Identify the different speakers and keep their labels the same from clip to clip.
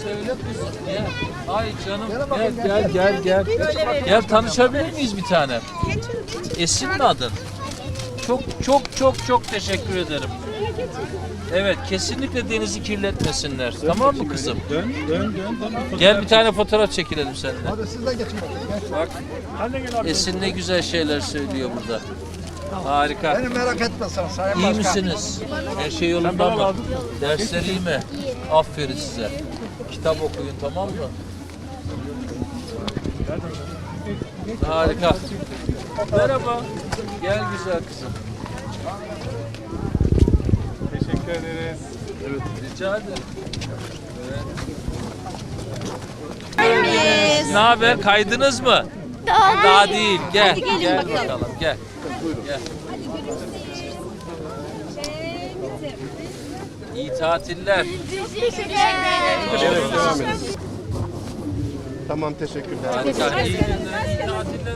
Speaker 1: söyle kızım. Gel. Ay canım. Gel. Gel tanışabilir miyiz bir tane? Esin mi adın? Çok teşekkür ederim. Evet, kesinlikle denizi kirletmesinler. Tamam mı kızım?
Speaker 2: Dön.
Speaker 1: Gel bir tane fotoğraf çekilelim seninle.
Speaker 3: Hadi siz de geçin bakayım.
Speaker 1: Bak, Esin ne güzel şeyler söylüyor burada. Harika.
Speaker 3: Beni merak etme sen Sayın
Speaker 1: İyi
Speaker 3: Başkan.
Speaker 1: misiniz? Her şey yolunda mı? Dersler iyi mi? Aferin size. Kitap okuyun, tamam mı? Harika. Merhaba. Gel güzel kızım.
Speaker 2: Teşekkür ederiz.
Speaker 1: Evet, rica ederim. Ne haber? Kaydınız mı? Daha değil. Gel. Gel bakalım. Gel. Gel. İyi tatiller.
Speaker 2: Evet, devam edin. Tamam, teşekkürler.
Speaker 1: Harika. İyi günler. İyi tatiller.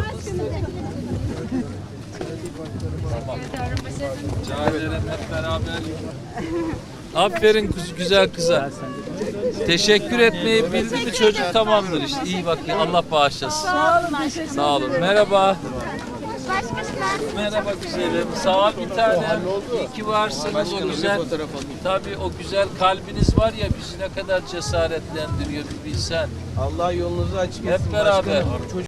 Speaker 1: Tamam. Rica ederim hep beraber. Aferin güzel kıza. Teşekkür etmeyi bildi mi çocuk tamamdır işte. İyi bakın. Allah bağışlasın. Sağ olun. Merhaba. Merhaba güzelim. Sağ ol bir tane. İyi ki varsınız o güzel. Tabii o güzel kalbiniz var ya bizi ne kadar cesaretlendiriyor bir bilsen.
Speaker 4: Allah yolunuzu açık etsin.
Speaker 1: Hep beraber.